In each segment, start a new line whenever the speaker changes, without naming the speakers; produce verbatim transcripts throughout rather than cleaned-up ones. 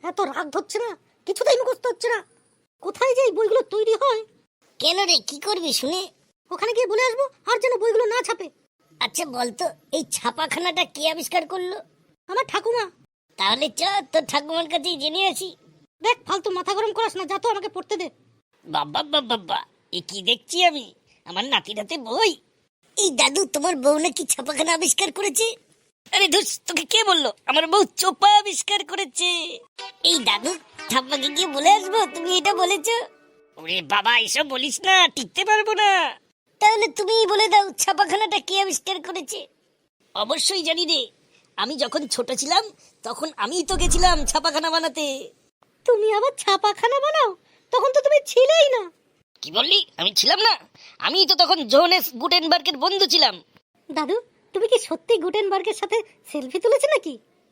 এত রাগ ধরছে না, কিছুতেই মুখস্থ হচ্ছে না। কোথায় যে এই বইগুলো তৈরি হয়?
কেন রে, কি করবি শুনে?
ওখানে গিয়ে বলে আসবো আর যেন বইগুলো না ছাপে।
আচ্ছা বলতো, এই ছাপাখানাটা কে আবিষ্কার করলো?
আমার ঠাকুমা।
তাহলে চ তোর ঠাকুমার কাছেই জেনে আসি।
দেখ, ফালতু মাথা গরম করাস না, যা তো আমাকে পড়তে দে।
বাবা বাবা বাবা, এ কি দেখছি আমি? আমার নাতির হাতে বই। এই দাদু, তোমার বউ নাকি ছাপাখানা আবিষ্কার করেছে? আরে ধুস, তোকে কে বললো আমার বউ চোপা আবিষ্কার করেছে? এই দাদু, ঠাম্মাকে গিয়ে বলে আসবো তুমি এটা বলেছো? ওরে বাবা, এসব বলিস না, টিকতে পারবো না। তাহলে তুমিই বলে দাও, ছাপাখানাটা কে আবিষ্কার করেছে? অবশ্যই জানি রে, আমি যখন ছোট ছিলাম তখন আমিই তো গেছিলাম ছাপাখানা বানাতে।
তুমি আবার ছাপাখানা বানাও? তখন তো তুমি ছিলেই না।
কি বললি? আমি ছিলাম না? আমি তো তখন জোহানেস গুটেনবার্গের বন্ধু ছিলাম।
দাদু, তুমি কি সত্যি গুটেনবার্গের সাথে সেলফি তুলেছে নাকি?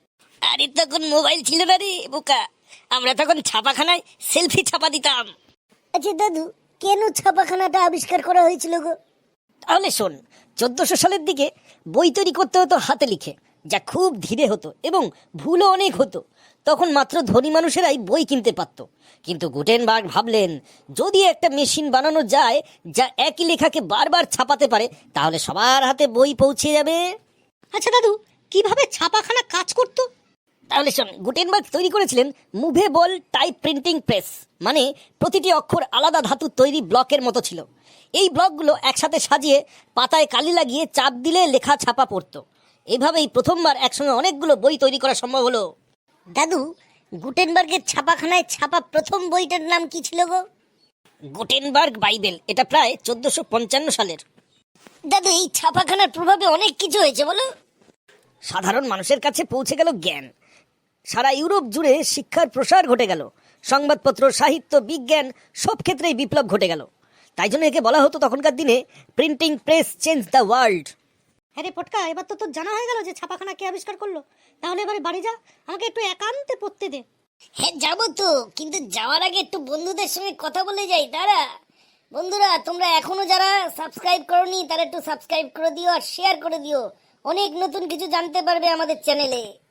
আরে তখন মোবাইল ছিল না রে বোকা, আমরা তখন ছাপাখানায় সেলফি ছাপা দিতাম। আচ্ছা দাদু, কেন ছাপাখানাটা আবিষ্কার করা হয়েছিল গো? তাহলে শোন, চোদ্দশো সালের দিকে বই তৈরি করতে হতো হাতে লিখে, যা খুব ধীরে হতো এবং ভুলও অনেক হতো। তখন মাত্র ধনী মানুষেরাই বই কিনতে পারত। কিন্তু গুটেনবার্গ ভাবলেন, যদি একটা মেশিন বানানো যায় যা একই লেখাকে বারবার ছাপাতে পারে, তাহলে সবার হাতে বই পৌঁছে যাবে।
আচ্ছা দাদু, কিভাবে ছাপাখানা কাজ করতো?
তাহলে শোন, গুটেনবার্গ তৈরি করেছিলেন মুভেবল টাইপ প্রিন্টিং প্রেস, মানে প্রতিটি অক্ষর আলাদা ধাতুর তৈরি ব্লকের মতো ছিল। এই ব্লকগুলো একসাথে সাজিয়ে পাতায় কালি লাগিয়ে চাপ দিলে লেখা ছাপা পড়তো। এভাবেই প্রথমবার একসঙ্গে অনেকগুলো বই তৈরি করা সম্ভব হলো। দাদু, গুটেনবার্গের ছাপাখানায় ছাপা প্রথম বইটার নাম কি ছিল গো? Gutenberg Bible. এটা প্রায় চোদ্দশো পঞ্চান্ন সালের। দাদু, এই ছাপাখানার প্রভাবে অনেক কিছু হয়েছে বলো। সাধারণ মানুষের কাছে পৌঁছে গেল জ্ঞান, সারা ইউরোপ জুড়ে শিক্ষার প্রসার ঘটে গেল, সংবাদপত্র, সাহিত্য, বিজ্ঞান সব ক্ষেত্রেই বিপ্লব ঘটে গেল। তাই জন্য একে বলা হতো তখনকার দিনে printing press change the world.
হ্যাঁ রে পটকা, এবার তো তোর জানা হয়ে গেল যে ছাপাখানা কে আবিষ্কার করলো। তাহলে এবারে বাড়ি যা, আমাকে একটু একান্তে পড়তে দে।
হ্যাঁ যাবো তো, কিন্তু যাওয়ার আগে একটু বন্ধুদের সঙ্গে কথা বলে যাই। দাঁড়া। বন্ধুরা, তোমরা এখনো যারা সাবস্ক্রাইব করোনি তারা একটু সাবস্ক্রাইব করে দিও আর শেয়ার করে দিও। অনেক নতুন কিছু জানতে পারবে আমাদের চ্যানেলে।